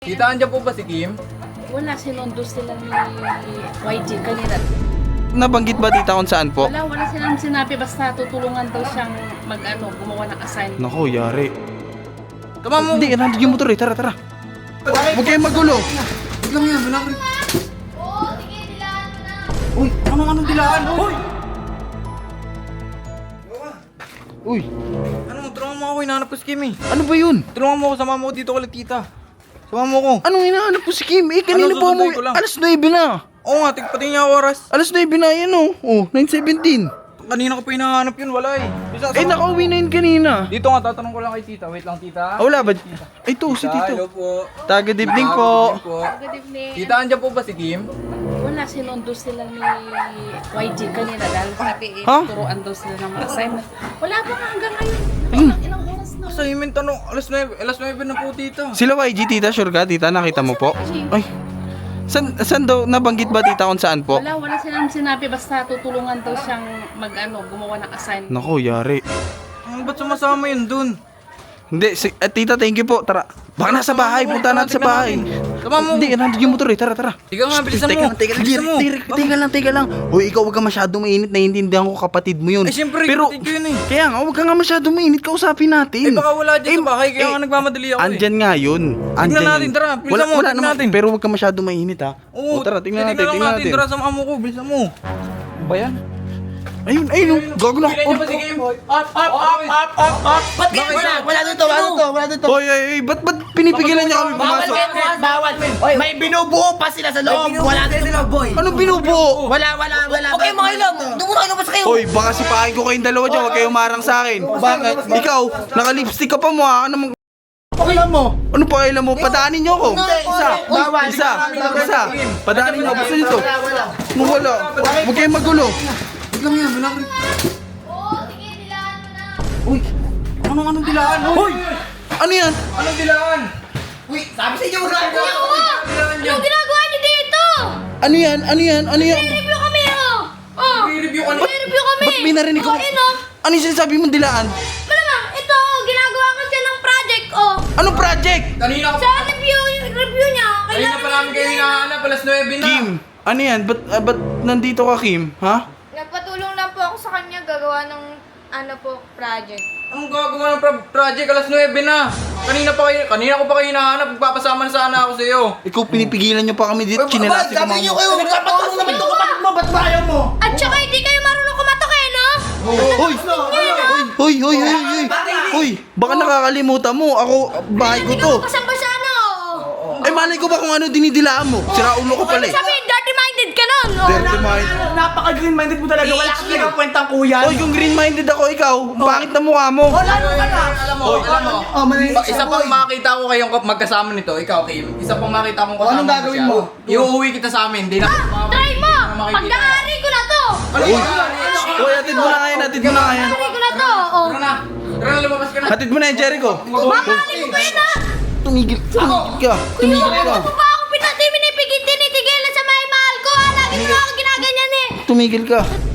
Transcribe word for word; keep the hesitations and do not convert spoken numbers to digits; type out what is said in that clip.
Tita, andyan po ba si Kim? Wala, sinundo sila ni Y G kanina. Nabanggit ba tita kung saan po? Wala, wala silang sinabi. Basta tutulungan daw siyang mag-ano, gumawa ng assign. Naku, yari. Tama mo! Hindi, nandun yung motor eh. Tara, tara. Huwag kayong magulo. Wait lang yan, malapit. Uy, anong anong dilaan? Uy! Uy, Ano, tulungan mo ako, hinahanap ko si Kim eh. ano ba yun? Tulungan mo ako, sama mo ako dito kala tita. Sama mo ako. Anong hinahanap ko si Kim? Eh, kanina Ano, pa mo. susunduin ko lang. Alas nuwebe na. Oo nga, tigpatingin niya ako oras. Alas nuwebe na yan oh. Oh, nine seventeen. Kanina ko pa hinahanap yun, wala eh. Bisa, Eh, nakauwi na yun kanina. Dito nga, tatanong ko lang kay tita. Wait lang tita. Ah, wala ba? Ay, ito, si Tita, Tito. hello po. Ta, good evening Ah, po. good evening po. Good evening. Tita, andyan po ba si Kim? Wala, sinundo sila ni Y G kanina dahil sabi eh, Ha? turuan daw sila ng mga assignment. Wala pa nga hanggang ngayon. Ayun. Ilang, ilang oras na. Assignment ano, alas nuwebe, alas nuwebe na po tita. Sila Y G, tita, sure ka? Tita, nakita mo po? Ay, san, san daw, nabanggit ba tita kung saan po? Wala, wala silang sinabi. Basta tutulungan daw siyang mag-ano, gumawa ng assign. Naku, yari. Ano ba't sumasama yun dun? Hindi, si, eh, tita, thank you po. Tara. Baka nasa bahay, punta natin sa bahay. Tama mo. Hindi, nandun yung motor eh. Tara, tara. Tiga nga, bilisan mo. Teka lang, teka lang, Bilisan mo. teka, teka, teka lang, teka lang. Hoy, ikaw huwag ka masyado mainit, naiintindihan ko kapatid mo yun. Eh, siyempre, Pero, kapatid ko yun eh. kaya nga, huwag ka nga masyado mainit, kausapin natin. Eh, baka wala dyan sa bahay, kaya eh, nga nagmamadali ako eh. Andyan nga yun. Andyan natin, yun. tara, bilisan Wala, mo, wala tingnan naman, natin. pero huwag ka masyado mainit ha. Oo, O, tara, tingnan natin, lang tingnan natin. Tara, sama mo ko, bilisan mo. Ba yan? Ayun, ayun, oh, gago na. Kailan niya ba si Kim? Up, up, up, up, up, up. Ba't ganyan? Wala, wala dito, wala dito, wala dito. Hoy, ay, ay, ba't, ba't pinipigilan niya kami Bawal, pumasok? Kenneth, bawal. Oy, may binubuo pa sila sa loob. Wala dito sila, boy. Anong binubuo? Wala, wala, wala. Okay, mga ilang. Doon mo na ilabas kayo. Hoy, baka sipahin ko kayong dalawa dyan, huwag kayong marang sa akin. Bakit? Ikaw, naka-lipstick ka pa mo ha, ano namang... Pakilam mo. Ano pa kailan mo? Padaanin niyo ako. Isa, bawal. Isa, isa. Padaanin niyo ako. Gusto niyo to? Wala, wala. Mawala. Huwag kayong magulo. Wait lang yan, malapit. Uy, anong anong dilaan? Uy! Ano yan? Anong dilaan? Uy, sabi sa inyo, wala. Anong ginagawa niyo dito? Ano yan? Ano yan? Ano yan? Review kami, oh! Oh! I-review ka na. Review kami! Ba't may narinig ko? Oh, yun, oh! Ano yung sinasabi mong dilaan? Malamang, ito, oh, ginagawa ko siya ng project, oh! Anong project? Kanina ko. Sa review, yung review niya, Kanina kailangan pa namin kayo hinahanap, alas nuwebe na. Kim, ano yan? Ba't, ah, ba't nandito ka, Kim? Ha? Nagpatulong lang po ako sa kanya gagawa ng ano po, project. Anong gagawa ng pro- project? Alas nuwebe na. Kanina pa kayo, kanina ko pa kayo hinahanap, magpapasama na sana ako sa iyo. Ikaw, pinipigilan niyo pa kami dito. Chinelasi ka Sabi niyo mo. kayo, nagpapatulong naman ito kapatid mo. Ba't ba ayaw mo? At saka hindi kayo marunong kumatok eh, no? Hoy! Hoy, hoy, hoy, hoy! Hoy, baka nakakalimutan mo. Ako, bahay ko to. Basang-basa na, oh! Ay, malay ko ba kung ano dinidilaan mo? Sira ulo ko pala eh. Sabi, dirty-minded ka nun, oh! Dirty mind. Napaka-green-minded mo talaga. Wala kang ginagawa kwentang kuya. Hoy, kung green-minded ako, ikaw, bakit na mukha mo? Wala mo ka na. Alam mo, alam mo. Oh, mali. Pa- Isa pang makita ko kayong kap- magkasama nito, ikaw Kim. Isa pang makita kong kasama Anong gagawin siya. mo? Iuuwi kita sa amin, di na. Ah, try mo! Pagkakari ko na to! Ano ba? Hoy, hatid mo na ngayon, hatid mo na ngayon. Pagkakari ko na to, oh! Tara na. Tara na, lumabas ka na. Hatid mo na yan, Jericho. Makakali ko pa yun, ah! Tumigil, tumigil ka. Tumigil ka. Ano pa ako pinati, minipigit, tinitigil sa may mahal ko, ah! Lagi mo ako ginaganyan, eh! Tumigil ka.